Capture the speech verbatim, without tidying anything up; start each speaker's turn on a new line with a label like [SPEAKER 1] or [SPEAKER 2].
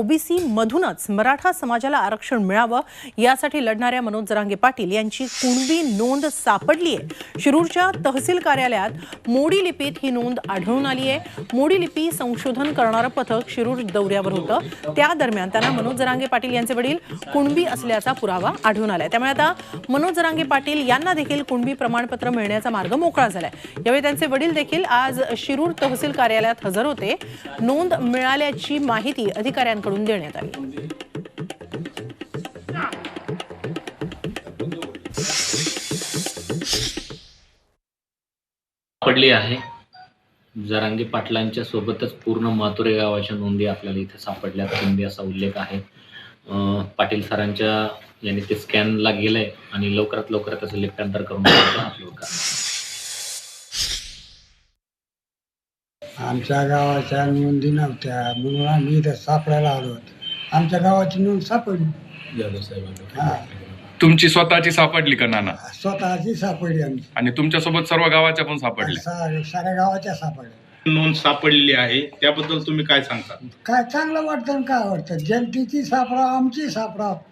[SPEAKER 1] OBC मधूनच मराठा समाजाला आरक्षण मिळावं यासाठी लढणाऱ्या मनोज जरांगे पाटील यांची कुणबी नोंद सापडली आहे। शिरूरच्या तहसील कार्यालयात मोडी लिपीत ही नोंद आढळून आली आहे। मोडी लिपी संशोधन करणारं पथक शिरूर दौऱ्यावर होतं। त्या दरम्यान त्यांना मनोज जरांगे पाटील यांचे वडील कुणबी असल्याचा पुरावा आढळून आलाय। त्यामुळे आता मनोज जरांगे पाटील यांना देखील कुणबी प्रमाणपत्र मिळण्याचा मार्ग मोकळा झालाय। यावेळी त्यांचे वडील देखील आज शिरूर तहसील कार्यालयात हजर होते। नोंद मिळाल्याची माहिती अधिकाऱ्यांकडून देण्यात आली।
[SPEAKER 2] पडली आहे। जरांगे पाटलांच्या सोबतच पूर्ण मातुरे गावाच्या नोंदी आपल्याला इथे सापडल्या कुणबी असा उल्लेख आहे। पाटील सरांच्या यांनी ते स्कॅनला गेलंय आणि लवकरात लवकर त्याचं लिप्यांतर करून अपलोड करणार।
[SPEAKER 3] आमच्या गावाच्या नोंदी नव्हत्या म्हणून आम्ही इथं सापडायला आलो होतो। आमच्या गावाची नोंद सापडली। हा,
[SPEAKER 4] तुमची स्वतःची सापडली का नाना?
[SPEAKER 3] स्वतःची सापडली आमची
[SPEAKER 4] आणि तुमच्यासोबत सर्व गावाच्या पण सापडल्या?
[SPEAKER 3] सा- साऱ्या गावाच्या सापडल्या।
[SPEAKER 5] नोंद सापडलेली आहे त्याबद्दल तुम्ही काय सांगता?
[SPEAKER 3] काय चांगलं वाटतं आणि काय वाटतं, जनतेची सापडा आमची सापडा